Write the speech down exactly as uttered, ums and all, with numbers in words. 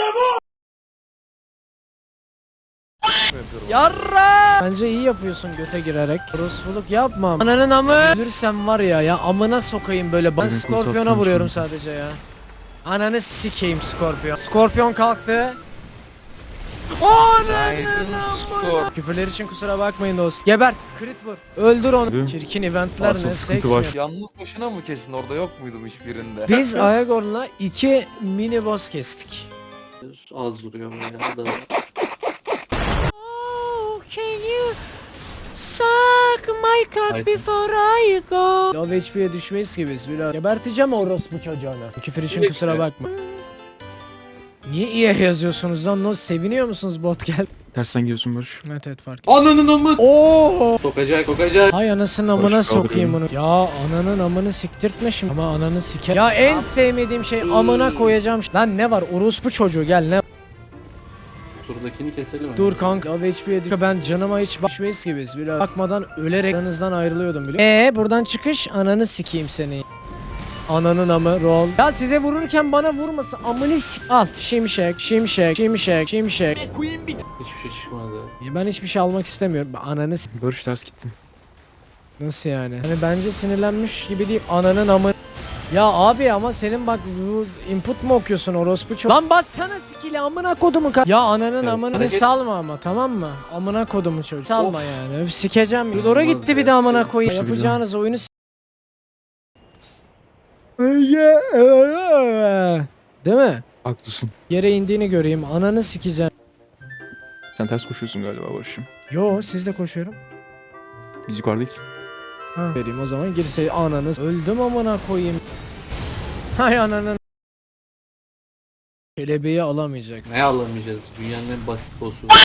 Yarra! Bence iyi yapıyorsun göte girerek. Orospuluk yapma. Ananın amı. Ölürsem var ya ya amına sokayım böyle. Ben Skorpiyon'a vuruyorum sadece ya. Ananı sikeyim Skorpiyon. Skorpiyon kalktı. Ananın amı. Küfürler için kusura bakmayın dost. Gebert. Crit vur. Öldür onu. Çirkin eventler Asıl ne? sıkıntı Seks var. mi? Yalnız başına mı kesin, orada yok muydum hiçbirinde? Biz Ayagor'la iki mini boss kestik. Az vuruyor bayağı da. Oh, can you suck my cock Haydi. before I go? Low H P'ye düşmeyiz ki biz. Biraz geberteceğim orospu çocuğunu. Küfür için Direkt kusura mi? bakma. Niye iyi yazıyorsunuz lan? No, seviniyor musunuz bot gel? Tersten geliyorsun Barış. Evet evet fark. Ananın amı. Oo! Sokacak sokacak. Hay anasının amına Barış kaldı sokayım bunu. Ya ananın amını siktirtme şimdi. Ama ananı siker. Ya en sevmediğim şey amına koyacağım. Lan ne var? Orospu çocuğu gel ne? Şuradakini keselim. Dur kanka. Low H P'ye düşüyor. Ben canıma hiç bakmayız ki biz. Biraz bakmadan ölerek aranızdan ayrılıyordum biliyor musun? Eee buradan çıkış ananı sikeyim seni. Ananın amı roll. Ya size vururken bana vurmasın. Amını sik. Al. Şimşek, şimşek, şimşek, şimşek. Hiçbir şey çıkmadı. Ya ben hiçbir şey almak istemiyorum. Ananı s- Barış ters gittin. Nasıl yani? Hani bence sinirlenmiş gibi değil. Ananın amı. Ya abi ama senin bak bu input mu okuyorsun orospu çok. Lan bassana skill'i amına kodumu ka- Ya ananın Evet, amını hareket- salma ama tamam mı? Amına kodumu çocuk. Salma Of. yani. Sikeceğim. Yudora Olmaz gitti ya. bir de amına koyayım. İşte bizim. Yapacağınız oyunu s- Değil mi? Haklısın. Yere indiğini göreyim. Ananı sikeceğim. Sen ters koşuyorsun galiba Barış'ım. Yo sizle koşuyorum. Biz yukarıdayız. Ha. Vereyim o zaman girse ananı. Öldüm amına koyayım. Hay ananın. Kelebeği alamayacak. Ne alamayacağız? Dünyanın en basit boss'u.